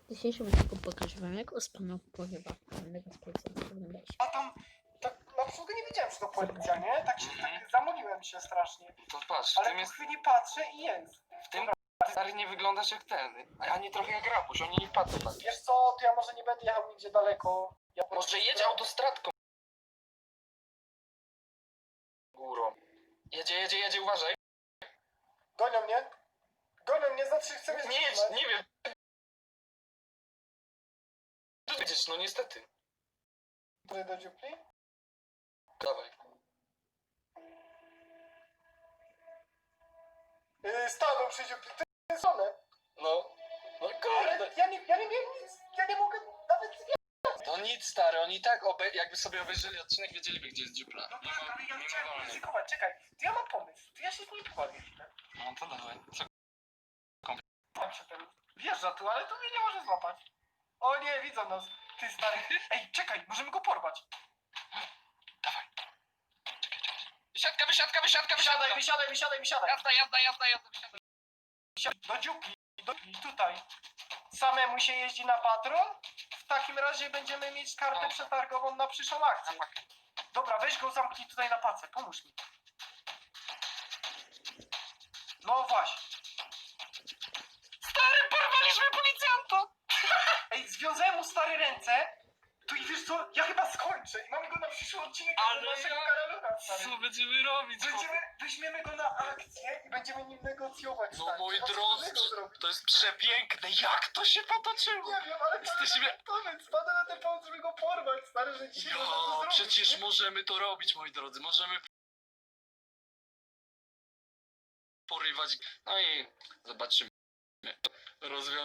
W dzisiejszym odcinku pokażę wam, jak ospano powiewa pewnego z policjantów. Oglądajcie. A tam, tak na przykład nie wiedziałem, że to policja, nie? Tak się, tak zamoliłem się strasznie. To patrz, w Ale tym po jest, chwili patrzę i jest. w tym stary nie wyglądasz jak ten, a nie trochę jak rabuś, oni nie patrzą na Wiesz co, to ja może nie będę jechał nigdzie daleko. Ja Może jedź autostradką górą. Jedzie, uważaj. Gonią mnie? Gonią mnie, znaczy chcę mnie Nie jedź, zatrzymać. nie wiem. Tu jedziesz, no niestety. Tutaj do dziupli? Dawaj. Stanął przy dziupli, to jest one. No Ale kurde. ja nie miałem nic, ja nie mogę nawet zwiedzić. To nic stary, oni i tak jakby sobie obejrzeli odcinek, wiedzieliby gdzie jest dziupla. No tak, ale ja chciałem ryzykować, czekaj. To ja mam pomysł, to ja się z nim pobawię chwilę. No to dawaj. Co? Tam się ten wjeżdża tu, ale to mnie nie może złapać. O nie, widzą nas. Ty stary. Ej, czekaj, możemy go porwać. Wysiadka. Wysiadaj. Jazda. Do dziupli, tutaj. Samemu się jeździ na patrol? W takim razie będziemy mieć kartę No. przetargową na przyszłą akcję. Dobra, weź go zamknij tutaj na pacę, pomóż mi. No właśnie. Stary, porwaliśmy policjanta! Ej, związałem mu stare ręce. To i wiesz co, ja chyba skończę i mamy go na przyszły odcinek Ale naszego ja- karalucha, stary. Co będziemy robić? Weźmiemy go na akcję i będziemy nim negocjować, No stary. moi Chyba coś drodzy, innego zrobić. to jest przepiękne, jak to się potoczyło? Nie wiem, ale Jesteśmy... pomysł, spada na ten pomysł, żeby go porwać, stary, że dzisiaj można to Ja, zrobić. przecież nie? możemy to robić, moi drodzy, możemy porywać, no i zobaczymy rozwiązanie.